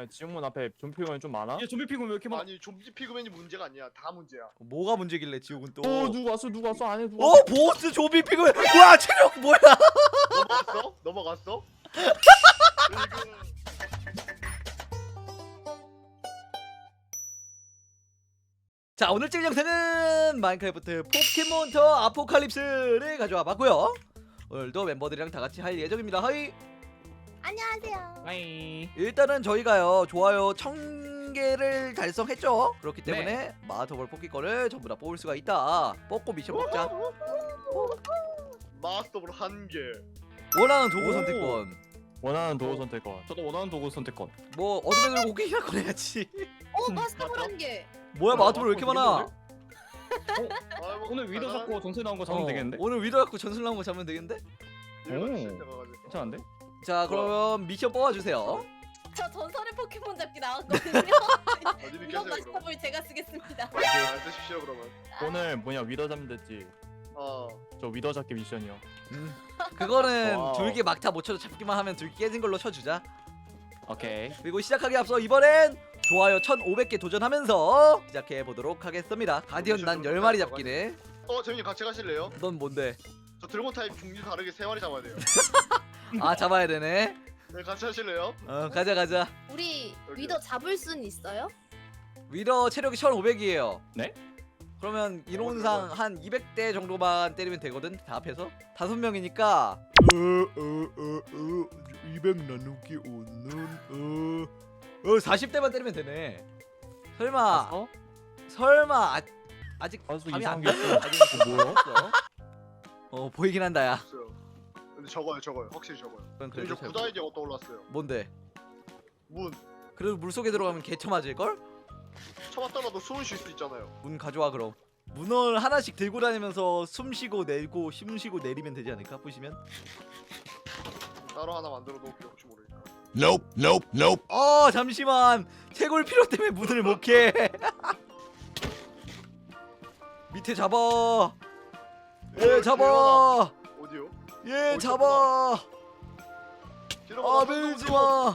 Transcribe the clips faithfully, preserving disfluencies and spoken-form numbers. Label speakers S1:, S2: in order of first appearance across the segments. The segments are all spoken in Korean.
S1: 에, 지옥문 앞에 좀비 피그맨 좀 많아?
S2: 얘 좀비 피그맨 왜 이렇게 많아?
S3: 아니 좀비 피그맨이 문제가 아니야. 다 문제야.
S4: 뭐가 문제길래 지옥은 또?
S1: 어 누구 왔어 누구 왔어 안에 누구
S4: 어
S1: 왔어?
S4: 보스 좀비 피그맨. 와 체력 뭐야?
S3: 넘어갔어? 넘어갔어? 이거
S4: 자 오늘쯤 영상은 마인크래프트 포켓몬터 아포칼립스를 가져와 봤고요. 오늘도 멤버들이랑 다 같이 할 예정입니다. 하이.
S5: 안녕하세요.
S1: 아이.
S4: 일단은 저희가요 좋아요 천 개를 달성했죠. 그렇기 때문에
S1: 네.
S4: 마스터볼 뽑기 거를 전부 다 뽑을 수가 있다. 뽑고 미션 뽑자.
S3: 마스터볼 한 개.
S4: 원하는 도구
S1: 오.
S4: 선택권.
S1: 원하는 도구 선택권. 저도 원하는 도구 선택권.
S4: 뭐 어둠의 돌 고기나 꺼내야지.
S5: 어 마스터볼 한 개.
S4: 뭐야
S1: 뭐야,
S4: 마스터볼 왜 이렇게 많아?
S3: 아, 뭐,
S2: 오늘 위도
S3: 나가는-
S2: 잡고 전세 나온 거 잡으면
S4: 어,
S2: 되겠는데?
S4: 오늘 위도 갖고 전술 나온 거 잡으면 되겠는데?
S3: 일반
S1: 오.
S3: 시스템 가가지고.
S2: 괜찮은데?
S4: 자 그럼 미션 뽑아주세요.
S5: 저 전설의 포켓몬 잡기 나왔거든요.
S3: 어디
S5: 이번
S3: 계세요 그럼?
S5: 마스터볼 제가 쓰겠습니다.
S3: 안 쓰십시오 그러면.
S1: 오늘 뭐냐 위더 잡면 됐지.
S3: 어.
S1: 저 위더 잡기 미션이요.
S4: 음. 그거는
S1: 와우.
S4: 둘기 막타 못 쳐도 잡기만 하면 둘기 깨진 걸로 쳐주자.
S2: 오케이.
S4: 그리고 시작하기 앞서 이번엔 좋아요 천오백 개 도전하면서 시작해 보도록 하겠습니다. 가디언 난 열 마리 잡기네.
S3: 어 재민이 같이 가실래요?
S4: 넌 뭔데?
S3: 저 드래곤 타입 종류 다르게 세 마리 잡아야 돼요.
S4: 아 잡아야 되네.
S3: 네 같이 하실래요?
S4: 어 가자 가자.
S5: 우리
S3: 여기요.
S5: 위더 잡을 순 있어요?
S4: 위더 체력이 천오백이에요.
S2: 네?
S4: 그러면 이론상 한 이백 대 정도만 때리면 되거든. 다 합해서 다섯 명이니까 어어어어 이백 나누기 오는 어, 어 사십 대만 때리면 되네. 설마
S1: 어?
S4: 설마 아, 아직
S1: 가수
S4: 감이 안
S1: 이상한 게
S4: 나.
S1: 있어.
S4: 아직
S1: 뭐야?
S4: 없어. 어 보이긴 한다 야.
S3: 없어요. 근데 적어요 적어요. 확실히 적어요.
S4: 그건
S3: 근데
S4: 그래도
S3: 저
S4: 잘
S3: 구다 아이디어가 떠올랐어요.
S4: 뭔데?
S3: 문.
S4: 그래도 물 속에 들어가면 개처 맞을 걸?
S3: 쳐봤다가도 숨을 쉴 수 있잖아요.
S4: 문 가져와 그럼. 문을 하나씩 들고 다니면서 숨 쉬고 내고 숨 쉬고 내리면 되지 않을까? 보시면.
S3: 따로 하나 만들어 놓을게요 혹시 모르니까.
S6: Nope, nope, nope.
S4: 어 잠시만 채굴 필요 때문에 문을 못 캐. 밑에 잡아. 예 잡아.
S3: 어디요?
S4: 예
S3: 어디
S4: 잡아. 아 밀지 마.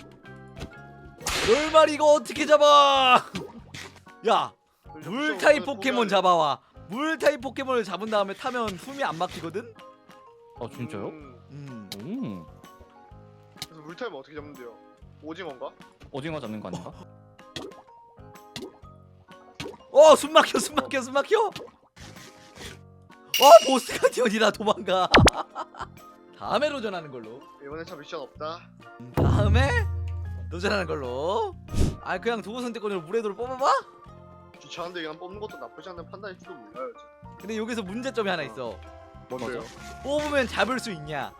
S4: 열 마리 이거 어떻게 잡아? 야 물 타입 포켓몬 잡아와. 물 타입 포켓몬을 잡은 다음에 타면 숨이 안 막히거든.
S1: 어 진짜요?
S4: 음.
S1: 음.
S3: 그래서 물 타입은 어떻게 잡는데요? 오징어인가?
S2: 오징어 잡는 거 아닌가?
S4: 어, 숨 막혀, 숨 막혀, 숨 막혀. 어, 보스 가디언이다 도망가. 다음에 도전하는 걸로.
S3: 이번엔 참 미션 없다.
S4: 음, 다음에 도전하는 걸로. 아, 그냥 도구 선택권으로 물의 돌을 뽑아봐.
S3: 귀찮은데 그냥 뽑는 것도 나쁘지 않은 판단일지도 몰라요. 지금.
S4: 근데 여기서 문제점이 하나 있어.
S3: 뭔데요?
S4: 뽑으면 잡을 수 있냐?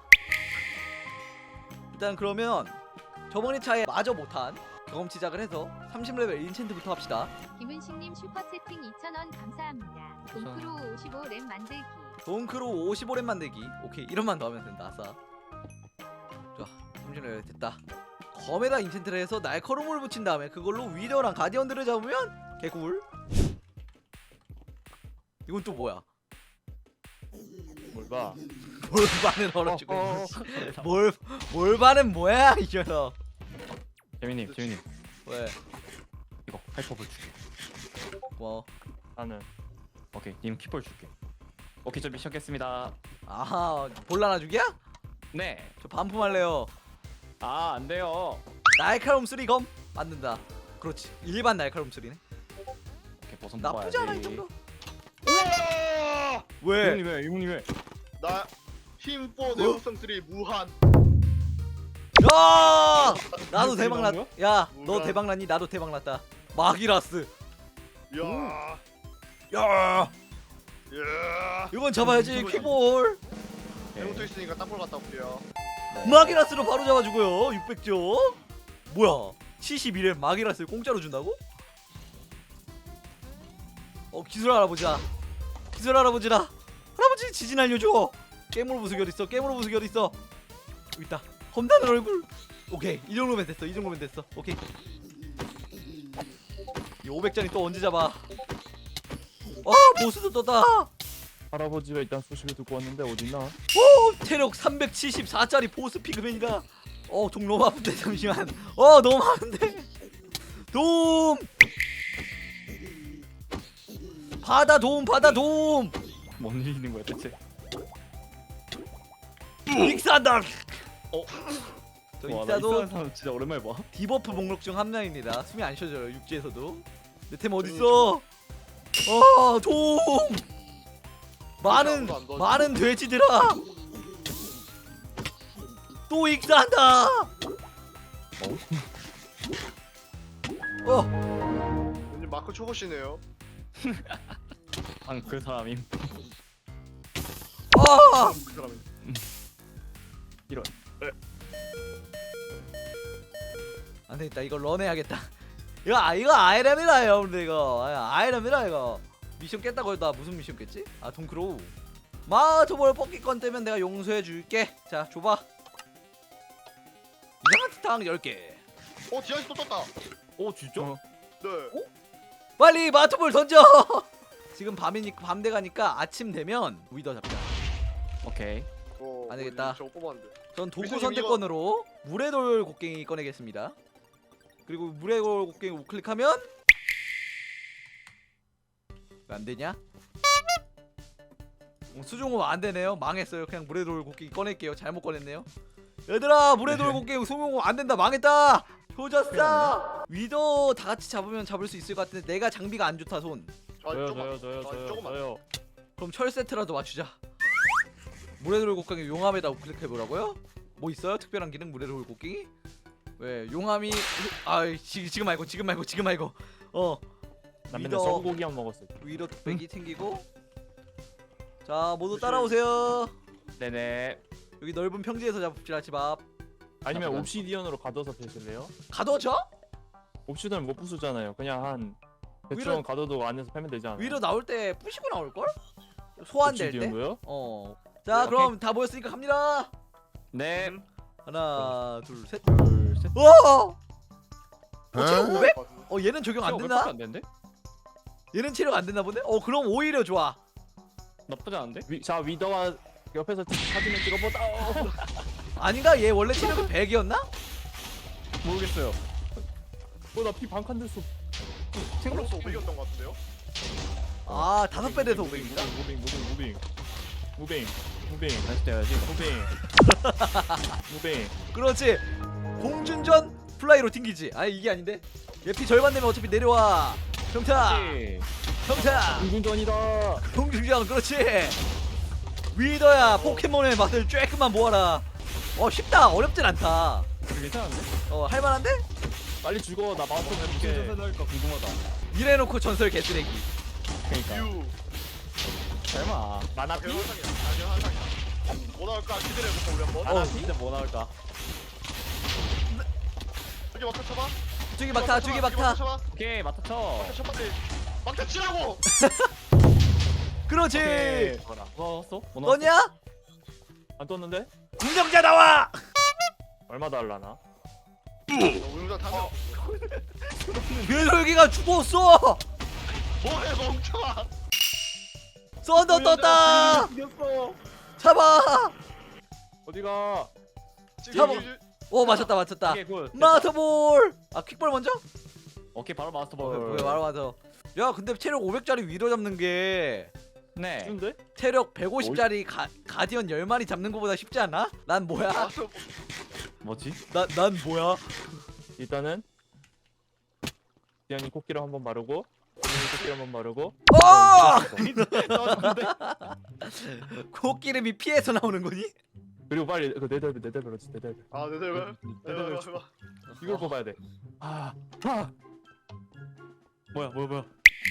S4: 일단 그러면 저번에 차에 마저 못한 경험치작을 해서 삼십 레벨 인챈트부터 합시다.
S7: 김은식님 슈퍼채팅 이천 원 감사합니다. 동크로 오십오 램 만들기.
S4: 돈크로 오십오 렘 만들기. 오케이 이런만 더 하면 된다. 아싸. 좋아 삼십 레벨 됐다. 검에다 인챈트를 해서 날카로움을 붙인 다음에 그걸로 위더랑 가디언들을 잡으면 개꿀. 이건 또 뭐야?
S1: 뭘 봐?
S4: 몰반은 얼어주고
S1: 어,
S4: 뭘 몰반은 뭐야 이 녀석.
S2: 재민님, 재민님.
S4: 왜?
S2: 이거 하이퍼볼 줄게.
S4: 뭐?
S1: 나는
S2: 오케이, 님 키볼 줄게. 오케이, 저 미션 깼습니다.
S4: 아하 볼라나죽이야?
S2: 네.
S4: 저 반품할래요.
S2: 아, 안 돼요.
S4: 날카로움 쓰리 검 만든다. 그렇지 일반 날카로움 쓰리네.
S2: 오케이, 버섯
S4: 나쁘지 않아 이
S2: 먹어야지.
S4: 정도.
S3: 우와!
S4: 왜?
S1: 이분이 왜? 이분이 왜?
S3: 나 힘포 내구성 쓰리 무한.
S4: 야! 나도
S1: 이게
S4: 대박 났.
S1: 나온
S4: 야, 너
S3: 뭐야?
S4: 대박 났니? 나도 대박 났다. 마기라스.
S3: 야,
S4: 야,
S3: 야.
S4: 이건 잡아야지. 퀴볼.
S3: 해무도 있으니까 땅볼 갔다 올게요.
S4: 마기라스로 바로 잡아주고요. 육백 점. 뭐야? 칠십일 회 마기라스를 공짜로 준다고? 어 기술 할아버지다. 기술 할아버지다. 할아버지 지진 알려줘. 깨물 부수기 어딨어? 깨물 부수기 어딨어? 여기 있다. 험다는 얼굴. 오케이 이 정도면 됐어. 이 정도면 됐어. 오케이. 이 오백 잔이 또 언제 잡아? 아 보스도 떴다.
S1: 할아버지가 일단 소식을 듣고 왔는데 어딨나?
S4: 오 체력 삼백칠십사 짜리 보스 피그맨이다. 어 종 너무 아픈데 잠시만. 어 너무 많은데. 도움. 바다 도움 바다 도움.
S2: 뭔 일이 있는 거야 대체?
S4: 익사다.
S2: 어?
S4: 저
S2: 와, 나
S4: 익사도
S2: 이상한 사람 진짜 오랜만에 봐.
S4: 디버프 목록 중 한 명입니다. 숨이 안 쉬어져요 육지에서도. 내 템 어딨어? 어 도움. 많은
S3: 아무도 안 도와줘.
S4: 많은 돼지들아. 또 익사한다. 어
S3: 왠지 마크 초보시네요.
S2: 방그 사람임.
S4: 아.
S3: 그 사람이.
S2: 이런.
S4: 안 되겠다. 이거 런해야겠다. 이거 아 이거 아이람이라 여러분들 이거 아, 아이람이라 이거 미션 깼다고 해도 나 무슨 미션 깼지? 아 동크로우 마토볼 뽑기권 뜨면 내가 용서해 줄게. 자 줘봐. 이상한 티탕 열 개.
S3: 어 디아이스 또 떴다.
S2: 오 진짜?
S1: 어.
S3: 네.
S4: 빨리 마토볼 던져. 지금 밤이니까 밤 돼가니까 아침 되면 위더 잡자.
S2: 오케이.
S3: 어,
S4: 안 되겠다.
S3: 저거 뽑았는데.
S4: 전 도구
S3: 미선님,
S4: 선택권으로 물의 돌 곡괭이 꺼내겠습니다. 그리고 물의 돌 곡괭이 우클릭하면 왜 안 되냐? 어, 수중호 안 되네요. 망했어요. 그냥 물의 돌 곡괭이 꺼낼게요. 잘못 꺼냈네요. 얘들아 물의 돌 곡괭이 수중호 안 된다. 망했다. 조졌어. 위더 다 같이 잡으면 잡을 수 있을 것 같은데 내가 장비가 안 좋다 손.
S3: 아,
S1: 저요
S3: 조금만.
S1: 저요 저요
S3: 아,
S1: 저요
S3: 조금만.
S1: 저요.
S4: 그럼 철 세트라도 맞추자. 물의 돌 곡괭이 용암에다 우클릭해 보라고요? 뭐 있어요? 특별한 기능 물의 돌 곡괭이? 왜 용암이 아 지, 지금 말고 지금 말고 지금 말고 어
S1: 나 맨날
S4: 위더
S1: 소고기만 먹었어.
S4: 위로 뚝배기 챙기고 자 모두 따라오세요.
S2: 네네.
S4: 여기 넓은 평지에서 잡읍시다 집앞.
S1: 아니면
S2: 나쁘다.
S1: 옵시디언으로 가둬서 패실래요?
S4: 가둬져?
S1: 옵시디언 못 부수잖아요. 그냥 한 대충
S4: 위로-
S1: 가둬도 안에서 패면 되지 않아요?
S4: 위로 나올 때 부시고 나올걸? 소환될 때?
S1: 옵시디언도요?
S4: 어. 자 그럼 다 모였으니까 갑니다.
S2: 네.
S4: 하나 둘셋
S2: 둘 셋.
S4: 와! 어, 체력
S6: Huh?
S4: 오백? 어 얘는 적용 안
S2: 안
S4: 된다?
S2: 안 되는데?
S4: 얘는 체력 안 되나 보네? 어 그럼 오히려 좋아.
S2: 나쁘지 않은데?
S1: 위, 자 위더와 옆에서 사진을 찍어보다. 어.
S4: 아닌가? 얘 원래 체력이 백이었나?
S2: 모르겠어요.
S1: 어나피 반칸 됐어.
S3: 생각보다 오백이었던 것 같은데요?
S4: 아 다섯 배 돼서 오백입니다.
S1: 무빙 무빙 무빙 무빙 무빙
S2: 다시 떼야지.
S1: 무빙 무빙.
S4: 그렇지. 공준전 플라이로 튕기지. 아 이게 아닌데? 얘 피 절반 되면 어차피 내려와. 평타
S2: 오케이.
S4: 평타
S1: 공군전이다.
S4: 공준전 그렇지. 위더야 포켓몬의 맛을 쬐끔만 모아라. 어 쉽다. 어렵진 않다.
S2: 괜찮은데?
S4: 어 할만한데?
S1: 빨리 죽어. 나 마우스
S2: 무슨
S1: 해볼게.
S2: 전선 할까 궁금하다.
S4: 이래놓고 전설 개쓰레기.
S2: 그러니까.
S3: 유.
S2: 설마.
S1: 만화피?
S3: 대환상이야. 아, 대환상이야. 뭐 나올까 기대해볼까 우리 한번.
S1: 만화피? 진짜 뭐 나올까?
S3: 저기 막타 쳐봐.
S4: 저기 막타 저기 막타.
S3: 쳐봐.
S2: 오케이 맡아 쳐.
S3: 막타 첫 번째. 막타 치라고.
S4: 그렇지.
S1: 오케이.
S2: 뭐라? 넣었어? 뭐 넣었어?
S4: 너냐?
S1: 안 떴는데?
S4: 운영자 나와.
S1: 얼마 달라나?
S3: 우영장 타면.
S4: 괴돌기가 죽었어.
S3: 뭐해 멍청아.
S4: 썬더 떴다.
S1: 이겼어.
S4: 잡아.
S1: 어디가?
S4: 잡아. 오 맞췄다 맞췄다.
S2: 오케이 굿.
S4: 마스터볼. 아 퀵볼 먼저?
S2: 오케이 바로
S4: 어,
S2: 마스터볼.
S4: 뭐야 말아 맞아. 야 근데 체력 오백짜리 위로 잡는 게
S2: 네.
S1: 쉬운데?
S4: 체력 백오십짜리 가, 가디언 열 마리 잡는 거보다 쉽지 않아? 난 뭐야?
S2: 뭐지?
S4: 나, 난 뭐야?
S1: 일단은 디안이 코끼리 한번 마르고 디안이 코끼리 한번 마르고.
S4: 어! 코끼름이 피해서 나오는 거니?
S1: 그리고 빨리 그 네덜벨 네덜벨 어디 네덜벨.
S3: 아 네네.
S1: 네덜벨
S3: 해봐.
S1: 이걸 뽑아야 돼. 아, 아.
S2: 뭐야 뭐야 뭐야?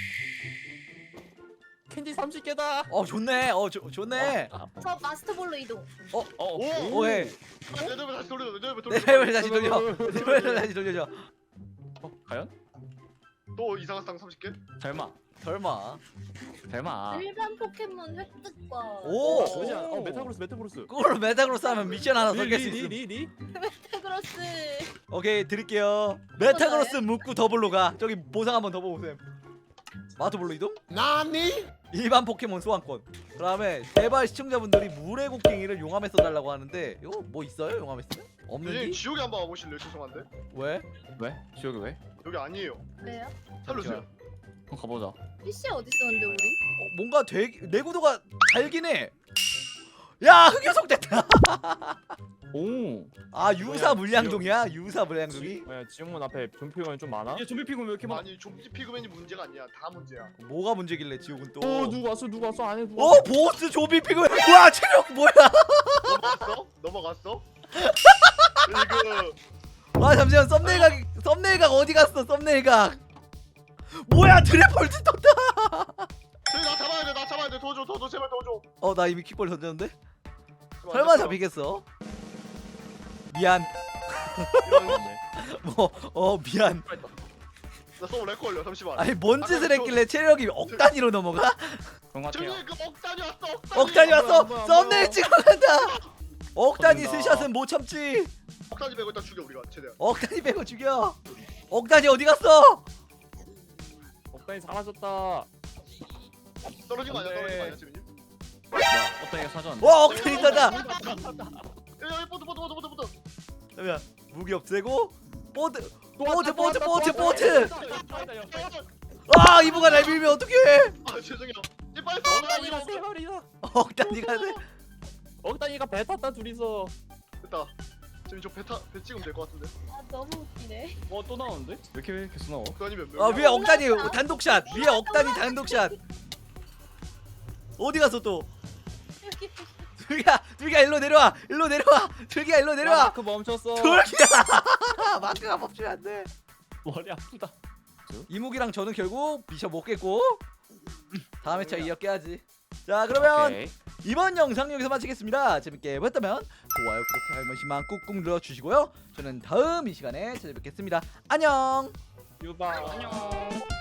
S1: 캔디 삼십 개다.
S4: 어 좋네 어 좋, 좋네
S2: 아,
S5: 저 마스터볼로 이동.
S2: 어,
S3: 오.
S4: 오해
S3: 네덜벨 다시 돌려. 네덜벨 돌려.
S4: 내 레벨 다시 돌려 내 레벨 다시 돌려줘
S2: 어, 과연?
S3: 또 이상한 쌍 삼십 개?
S2: 설마.
S4: 설마
S2: 설마.
S5: 일반 포켓몬 획득과
S4: 오!
S1: 그렇지 않아? 어 메타그로스 메타그로스.
S4: 그걸 메타그로스 하면 미션 하나 더 깰 수 있음
S1: 리리리리.
S5: 메타그로스.
S4: 오케이 드릴게요 메타그로스 묵고 더블로 가 저기 보상 한번 더 보세요 마토볼로 이동?
S6: Nani?
S4: 일반 포켓몬 소환권 그 다음에 제발 시청자분들이 물의 곡괭이를 용암에 써달라고 하는데 이거 뭐 있어요 용암에 쓰면?
S3: 선생님
S4: 없는지?
S3: 지옥에 한번 와보실래요? 죄송한데.
S4: 왜?
S2: 왜? 지옥이 왜?
S3: 여기 아니에요.
S5: 왜요?
S3: 살려주세요.
S2: 한번 가보자.
S5: 피씨 어디 있었는데 우리?
S4: 어, 뭔가 되게 내구도가 달긴 해. 야 흑요석 됐다.
S2: 오.
S4: 아 유사
S1: 뭐야,
S4: 물량동이야? 유사 물량동이?
S1: 뭐야 지옥문 앞에 좀피곤이 좀 많아?
S2: 이게 좀비 피고 왜 이렇게 많아?
S3: 아니 좀비 피그맨이 문제가 아니야. 다 문제야.
S4: 뭐가 문제길래 지옥은 또?
S1: 어 누구 왔어 누구 왔어 안에 누구
S4: 어
S1: 왔어?
S4: 보스 조비 피그. 와 체력 뭐야?
S3: 넘어갔어? 넘어갔어? 이거
S4: 아 잠시만 썸네일 각 썸네일 각 어디 갔어 썸네일 각? 뭐야 드래폴트 떴다.
S3: 저기 나 잡아야 돼. 나 잡아야 돼. 도와줘. 도와줘. 제발 도와줘.
S4: 어 나 이미 킥볼 던졌는데?
S3: 제발
S4: 설마
S3: 안
S4: 잡히겠어? 미안.
S3: 이런
S4: 뭐 어 미안.
S3: 나 서울 렉 걸려. 잠시만.
S4: 아니 뭔 짓을 했길래 체력이 억 단위로 넘어가?
S2: 그런 것 같아요.
S3: 저기 그 억단이 왔어. 억단이.
S4: 억 단위
S1: 안 보여,
S4: 왔어.
S1: 안 보여, 안
S4: 썸네일
S1: 보여.
S4: 찍어 간다. 억 단위
S2: 터진다.
S4: 스샷은 못 참지.
S3: 억단이 빼고 일단 죽여 우리가 최대한.
S4: 억 단위 빼고 죽여. 억 단위 어디 갔어?
S1: 억단이 사라졌다.
S3: 떨어진 거 아니야?
S1: 안 돼.
S3: 떨어진 거 아니야 지민님?
S2: 뭐야? 어떻게 사전?
S4: 와 억 단위 떴다.
S3: 여기 보트 보트 보트 보트 보트.
S4: 잠깐 무기 없애고 보드
S1: 또
S4: 보트
S1: 왔다,
S4: 보트
S1: 또
S4: 보트
S1: 왔다, 또
S4: 보트.
S1: 왔다, 또 왔다, 옆에.
S4: 아 이브가 날 밀면 어떡해?
S3: 아 죄송해요. 이 빨리
S1: 억단이가
S3: 서.
S1: 세 마리나.
S4: 억 단위가 돼.
S1: 억단이가 배 탔다 둘이서.
S3: 됐다. 지금 저배 타, 배 찍으면 될 것 같은데.
S5: 아 너무 웃기네.
S2: 어, 또 나오는데? 왜 이렇게 계속 나와?
S3: 억단이 몇
S4: 아
S3: 명이야?
S4: 위에 억 단위 단독샷. 위에 억 단위 단독샷. 어디 갔어 또?
S5: 여기
S4: 둘기야 둘기야 일로 내려와. 일로 내려와. 둘기야 일로
S1: 야,
S4: 내려와.
S1: 마크 멈췄어.
S4: 둘기야. 마크가 멈추면 안 돼.
S1: 머리 아프다.
S4: 이무기랑 저는 결국 미션 못 깼고 다음 회차 이어 깨야지. 자 그러면
S2: 오케이.
S4: 이번 영상 여기서 마치겠습니다. 재밌게 보셨다면 좋아요 구독 한 번씩만 꾹꾹 눌러주시고요. 저는 다음 이 시간에 찾아뵙겠습니다. 안녕.
S1: 유바.
S2: 안녕.